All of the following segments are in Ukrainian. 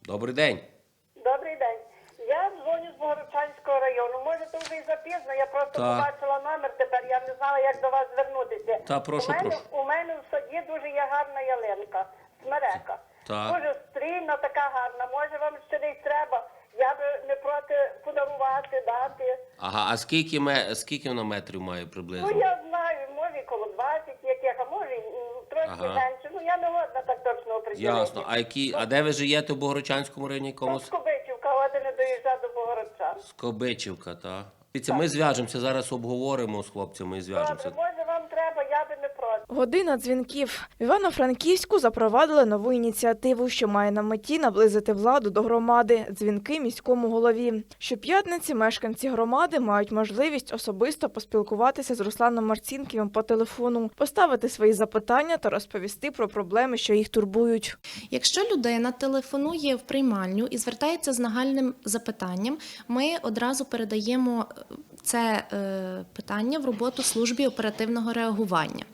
Добрий день. Добрий день. Я дзвоню з Богородчанського району. Може, то вже і запізно, я просто побачила номер тепер, я не знала, як до вас звернутися. Прошу. У мене в саді дуже є гарна ялинка, смерека. Так. Дуже стрільна, така гарна. Може, вам ще десь треба? Я би не проти подарувати, дати. Ага, а скільки вона метрів має приблизно? Ну, я знаю, може і коло 20 яких, а може і трошки менше. Ну, я не годна так точно оприділити. Ясно. А де ви живете в Богородчанському районі якомусь? Скобичівка, один не доїжджа до Богородчан. Скобичівка, так. Дивіться, ми зв'яжемося, зараз обговоримо з хлопцями і зв'яжемося. Добре, може вам треба, я би не проти. Година дзвінків. В Івано-Франківську запровадили нову ініціативу, що має на меті наблизити владу до громади – дзвінки міському голові. Щоп'ятниці мешканці громади мають можливість особисто поспілкуватися з Русланом Марцінківим по телефону, поставити свої запитання та розповісти про проблеми, що їх турбують. Якщо людина телефонує в приймальню і звертається з нагальним запитанням, ми одразу передаємо це питання в роботу службі оперативного реагування.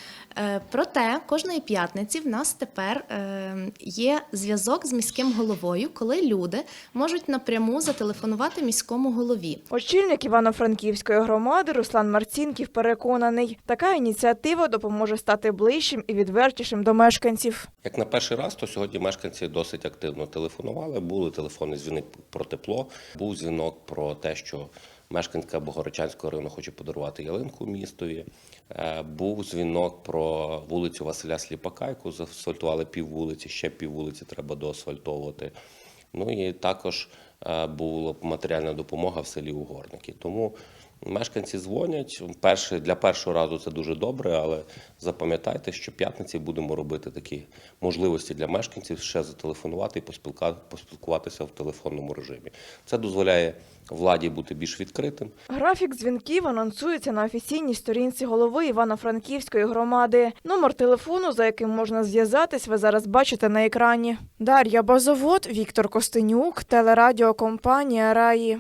Проте кожної п'ятниці в нас тепер є зв'язок з міським головою, коли люди можуть напряму зателефонувати міському голові. Очільник Івано-Франківської громади Руслан Марцінків переконаний, така ініціатива допоможе стати ближчим і відвертішим до мешканців. Як на перший раз, то сьогодні мешканці досить активно телефонували. Були телефонні дзвінки про тепло, був дзвінок про те, що мешканка Богородчанського району хоче подарувати ялинку містові. Був дзвінок про вулицю Василя Сліпака, яку заасфальтували піввулиці, ще піввулиці треба доасфальтовувати. Ну і також була матеріальна допомога в селі Угорники. Тому мешканці дзвонять. Для першого разу це дуже добре, але запам'ятайте, що п'ятниці будемо робити такі можливості для мешканців ще зателефонувати і поспілкуватися в телефонному режимі. Це дозволяє владі бути більш відкритим. Графік дзвінків анонсується на офіційній сторінці голови Івано-Франківської громади. Номер телефону, за яким можна зв'язатись, ви зараз бачите на екрані. Дар'я Базовод, Віктор Костенюк, телерадіокомпанія «Раї».